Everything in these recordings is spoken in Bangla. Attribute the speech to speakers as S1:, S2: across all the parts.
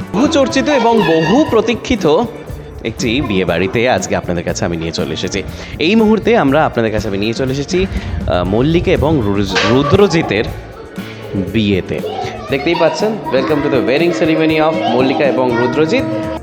S1: বহু চর্চিত এবং বহু প্রতীক্ষিত একটি বিয়ে বাড়িতে আজকে আপনাদের কাছে আমি নিয়ে চলে এসেছি। এই মুহূর্তে আমরা আপনাদের কাছে আমি নিয়ে চলে এসেছি মল্লিকা এবং রুদ্রজিতের বিয়েতে। দেখতেই পাচ্ছেন, welcome to the wedding ceremony of Mallika এবং রুদ্রজিৎ।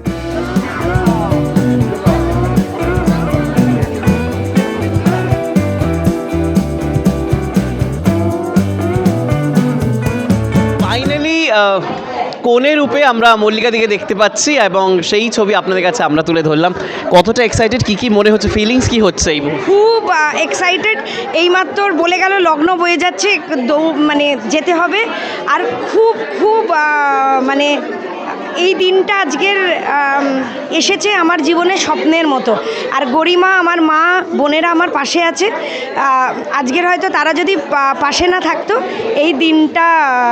S1: ফাইনালি কোণে রূপে আমরা মল্লিকা দিকে দেখতে পাচ্ছি এবং সেই ছবি আপনাদের কাছে আমরা তুলে ধরলাম। কতটা এক্সাইটেড, কি মনে হচ্ছে, ফিলিংস কি হচ্ছে এই মুহূর্তে?
S2: খুব এক্সাইটেড। এইমাত্র বলে গেল লগ্ন বয়ে যাচ্ছে, মানে যেতে হবে। আর খুব খুব মানে এই দিনটা আজকের এসেছে আমার জীবনে স্বপ্নের মতো। আর গরিমা, আমার মা, বোনেরা আমার পাশে আছে। আজকের হয়তো তারা যদি পাশে না থাকতো এই দিনটা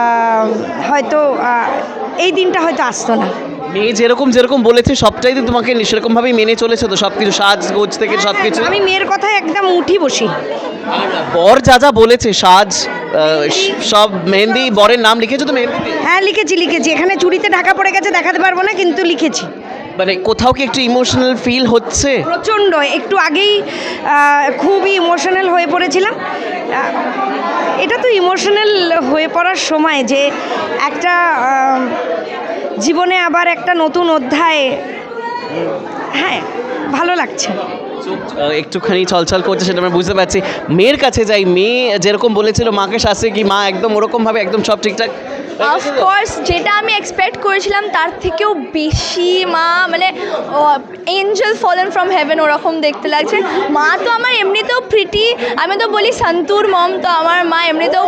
S2: হয়তো আসতো না।
S1: মেয়ে যেরকম বলেছে সবটাই তো তোমাকে সেরকমভাবেই মেনে চলেছে তো? সব কিছু সাজগোজ থেকে সব কিছু?
S2: আমি মেয়ের কথায় একদম উঠি বসি।
S1: বর যা বলেছে, সাজ, সব মেহেন্দি, বরের নাম লিখেছো তো মেহেন্দিতে?
S2: হ্যাঁ লিখেছি। এখানে চুড়িতে ঢাকা পড়ে গেছে, দেখাতে পারবো না, কিন্তু লিখেছি।
S1: মানে কোথাও কি একটু ইমোশনাল ফিল হচ্ছে?
S2: প্রচণ্ড। একটু আগেই খুবই ইমোশনাল হয়ে পড়েছিলাম। এটা তো ইমোশনাল হয়ে পড়ার সময়, যে একটা জীবনে আবার একটা নতুন অধ্যায়। হ্যাঁ, ভালো লাগছে।
S1: একটুখানি ছলছল করছে, সেটা আমরা বুঝতে পারছি। মেয়ের কাছে যাই, মেয়ে যেরকম বলেছিল মাকে শাস্তি, কি মা একদম ওরকমভাবে একদম সব ঠিকঠাক?
S3: অফকোর্স, যেটা আমি এক্সপেক্ট করেছিলাম তার থেকেও বেশি মা, মানে এঞ্জেল ফলেন ফ্রম হেভেন ওরকম দেখতে লাগছে। মা তো আমার এমনিতেও প্রিটি, আমি তো বলি সন্তুর মম, তো আমার মা এমনিতেও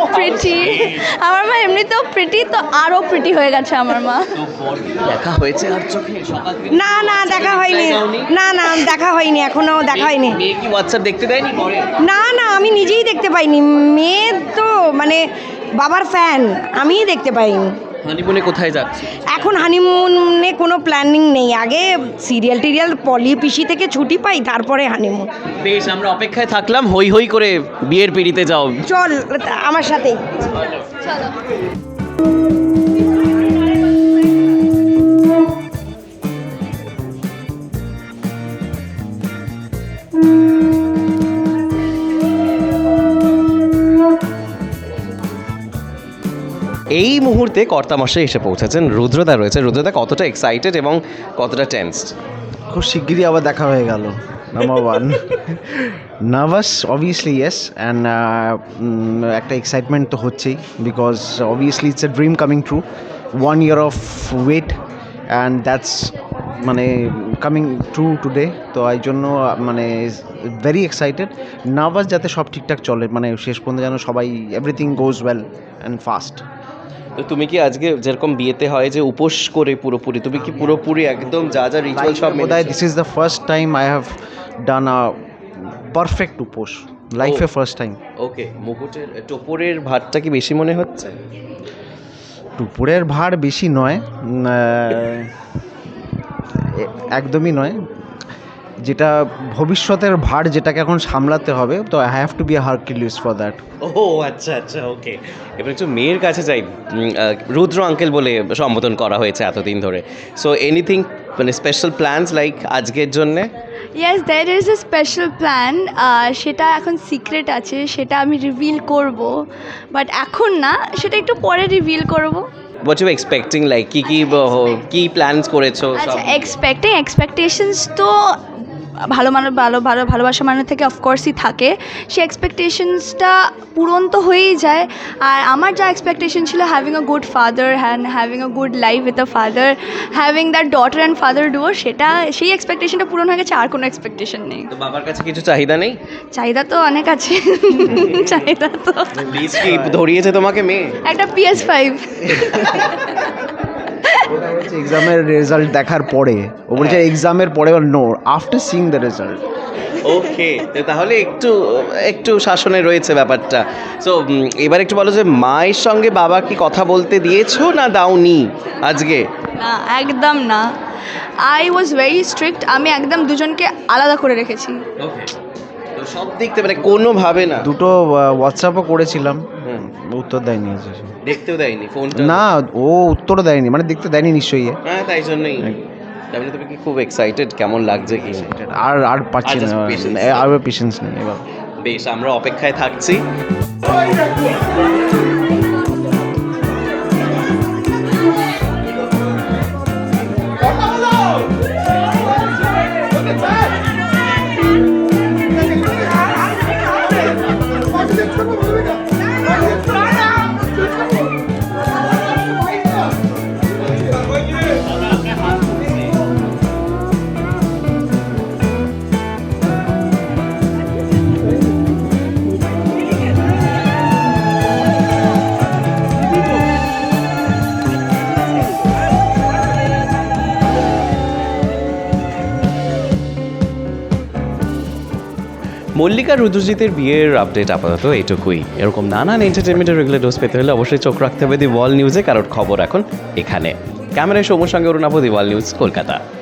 S3: প্রিটি, তো আরও প্রিটি হয়ে গেছে আমার মা।
S1: দেখা হয়েছে আর চোখে?
S2: না দেখা হয়নি। না দেখা হয়নি, এখনো দেখা হয়নি।
S1: মেয়ে কি হোয়াটসঅ্যাপ দেখতে দেয়নি?
S2: না আমি নিজেই দেখতে পাইনি। মেয়ে তো মানে বাবার ফ্যান, আমিই দেখতে পাইনি।
S1: হানিমুনে কোথায় যাচ্ছে?
S2: এখন হানিমুনে কোনো প্ল্যানিং নেই। আগে সিরিয়াল পলি পিসি থেকে ছুটি পাই, তারপরে হানিমুন।
S1: বেশ, আমরা অপেক্ষায় থাকলাম। হই করে বিয়ের পিড়িতে যাও।
S2: চল আমার সাথেই।
S1: এই মুহূর্তে কর্তামশাই এসে পৌঁছেছেন। রুদ্রদা রয়েছে। রুদ্রদা কতটা এক্সাইটেড এবং কতটা টেন্সড?
S4: খুব শিগগিরই আবার দেখা হয়ে গেল। Number one, nervous obviously yes, and একটা এক্সাইটমেন্ট তো হচ্ছেই, because obviously it's a dream coming true. 1 year of wait and that's মানে কামিং ট্রু টুডে। তো এই জন্য মানে ভেরি এক্সাইটেড, নার্ভাস যাতে সব ঠিকঠাক চলে, মানে শেষ পর্যন্ত যেন সবাই everything goes well and fast.
S1: তো তুমি কি আজকে যেরকম বিয়েতে হয় যে উপোস করে পুরোপুরি, তুমি কি পুরোপুরি একদম যা রিচুয়াল সব মেনে?
S4: This is the first time I have done a perfect উপোস, লাইফে ফার্স্ট টাইম।
S1: ওকে, মুকুটের টোপরের ভাতটা কি বেশি মনে হচ্ছে?
S4: টুপুরের ভার বেশি নয়, একদমই নয়। যেটা ভবিষ্যতের ভার, যেটাকে এখন সামলাতে হবে, তো I have to be a Hercules for that.
S1: ও আচ্ছা, ওকে। এবার একটু মেয়ের কাছে যাই। রুদ্র আঙ্কেল বলে সম্বোধন করা হয়েছে এতদিন ধরে। সো এনিথিং, মানে স্পেশাল প্ল্যানস লাইক আজকের জন্যে?
S3: Yes, that is a special plan. সেটা এখন সিক্রেট আছে, সেটা আমি রিভিল করব, বাট এখন না, সেটা একটু পরে রিভিল করব।
S1: What you expecting, like কি প্ল্যানস করেছো?
S3: আচ্ছা, এক্সপেকটেশনস তো ভালোবাসা মানুষ থেকে অফকোর্সই থাকে। সেই এক্সপেকটেশনসটা পূরণ তো হয়েই যায়। আর আমার যা এক্সপেকটেশন ছিল, having a good father and having a good life with a father, having that daughter and father duo, সেই এক্সপেকটেশনটা পূরণ হয়ে গেছে। আর কোনো এক্সপেকটেশন নেই।
S1: তো বাবার কাছে কিছু চাহিদা নেই?
S3: চাহিদা তো অনেক আছে। চাহিদা তো
S1: প্লিজ, কি ধরিয়েছে তোমাকে মেয়ে?
S3: একটা PS5।
S4: ওটা হচ্ছে এক্সামের রেজাল্ট দেখার পরে। ও বলছে এক্সামের পরে, no, after seeing the result.
S1: Okay, তাহলে একটু শাসনে রয়েছে ব্যাপারটা। সো এবার একটু বলো যে মায়ের সঙ্গে বাবা কি কথা বলতে দিয়েছো না দাওনি আজকে?
S3: না, একদম না। I was very strict. আমি একদম দুজনকে আলাদা করে রেখেছি।
S1: ওকে, তো সব দিক থেকে মানে কোনোভাবে না?
S4: দুটো হোয়াটসঅ্যাপও করেছিলাম, উত্তর দেয়নি।
S1: দেখতেও দেয়নি ফোনটা?
S4: না, ও উত্তরও দেয়নি, মানে দেখতে দেয়নি নিশ্চয়ই।
S1: হ্যাঁ, তাই জন্যই। তার মানে তুমি কি খুব এক্সাইটেড? কেমন লাগছে কি?
S4: আর পাচ্ছি
S1: আচ্ছা,
S4: না,
S1: patience।
S4: আর পেশেন্স নেই এবার।
S1: বেশ, আমরা অপেক্ষায় থাকছি। মল্লিকা রুদ্রজিতের বিয়ের আপডেট আপাতত এইটুকুই। এরকম নানান এন্টারটেনমেন্টের রেগুলার ডোজ পেতে হলে অবশ্যই চোখ রাখতে হবে দি ওয়াল নিউজে, কারণ খবর এখন এখানে। ক্যামেরায় সৌম্যর সঙ্গে Arunava, the wall news, Kolkata.